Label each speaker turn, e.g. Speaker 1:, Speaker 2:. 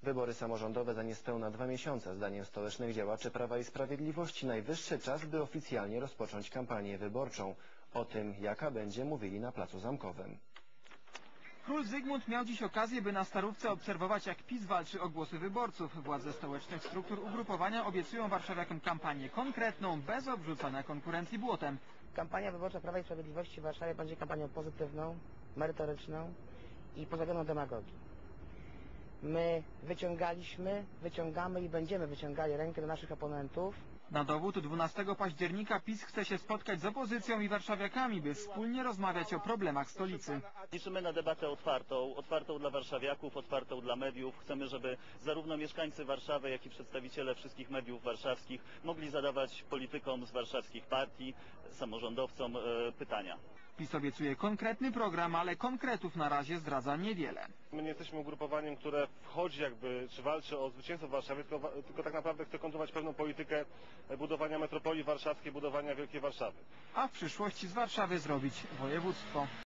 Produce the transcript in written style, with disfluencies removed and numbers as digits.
Speaker 1: Wybory samorządowe za niespełna 2 miesiące. Zdaniem stołecznych działaczy Prawa i Sprawiedliwości najwyższy czas, by oficjalnie rozpocząć kampanię wyborczą. O tym, jaka będzie, mówili na Placu Zamkowym.
Speaker 2: Król Zygmunt miał dziś okazję, by na Starówce obserwować, jak PiS walczy o głosy wyborców. Władze stołecznych struktur ugrupowania obiecują warszawiakom kampanię konkretną, bez obrzucania konkurencji błotem.
Speaker 3: Kampania wyborcza Prawa i Sprawiedliwości w Warszawie będzie kampanią pozytywną, merytoryczną i pozbawioną demagogii. My wyciągamy i będziemy wyciągali rękę do naszych oponentów.
Speaker 2: Na dowód 12 października PiS chce się spotkać z opozycją i warszawiakami, by wspólnie rozmawiać o problemach stolicy.
Speaker 4: Liczymy na debatę otwartą dla warszawiaków, otwartą dla mediów. Chcemy, żeby zarówno mieszkańcy Warszawy, jak i przedstawiciele wszystkich mediów warszawskich mogli zadawać politykom z warszawskich partii, samorządowcom pytania.
Speaker 2: PiS obiecuje konkretny program, ale konkretów na razie zdradza niewiele.
Speaker 5: My nie jesteśmy ugrupowaniem, które wchodzi czy walczy o zwycięstwo w Warszawie, tylko tak naprawdę chce kontynuować pewną politykę budowania metropolii warszawskiej, budowania Wielkiej Warszawy.
Speaker 2: A w przyszłości z Warszawy zrobić województwo.